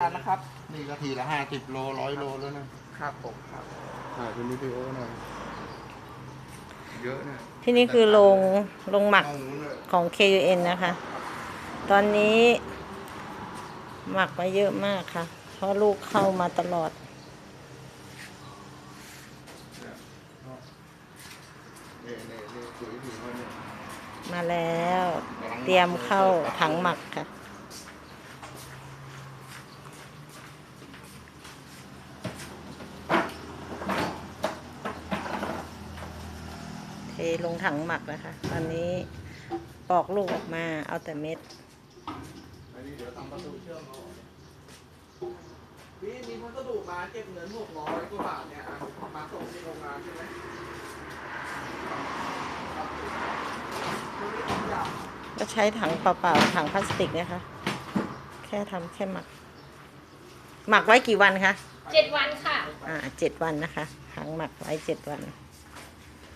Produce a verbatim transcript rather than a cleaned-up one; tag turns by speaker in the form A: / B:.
A: นะครับ
B: นี่ก็ทีละห้าสิบโลร้อยโลแล้วนะครับ
A: ผมครับ
B: ถ่ายเป็นวิดีโอหน่อยเยอะเนี่ย
C: ที่นี่คือโรงโรงหมัก
B: เอาหมูเลย
C: ของ เค ยู เอ็น นะคะ ตอนนี้หมักไว้เยอะมากค่ะ เพราะลูกเข้ามาตลอด
B: เนี่ยเนี่ยเนี่ยปุ๋ยถึงแล้วเนี่ย
C: มาแล้ว เตรียมเข้าถังหมักค่ะ เทลงถังหมักนะคะ ตอนนี้ปอกลูกออกมาเอาแต่เม็ด
B: อันนี้เดี๋ยวทำประตูเชื่อมเอา
A: พี่มีพัสดุมาเก็บเงินหกร้อยกว่าบาทเนี่ยอ่ะมาส่งที่โรงงานใช่ไหมครับ
C: ก็ใช้ถังเปล่าๆถังพลาสติกเนี่ยค่ะ แค่ทำแค่หมัก หมักไว้กี่วันคะ
D: เจ็ดวันค่ะ
C: อ่าเจ็ดวันนะคะ ถังหมักไว้เจ็ดวัน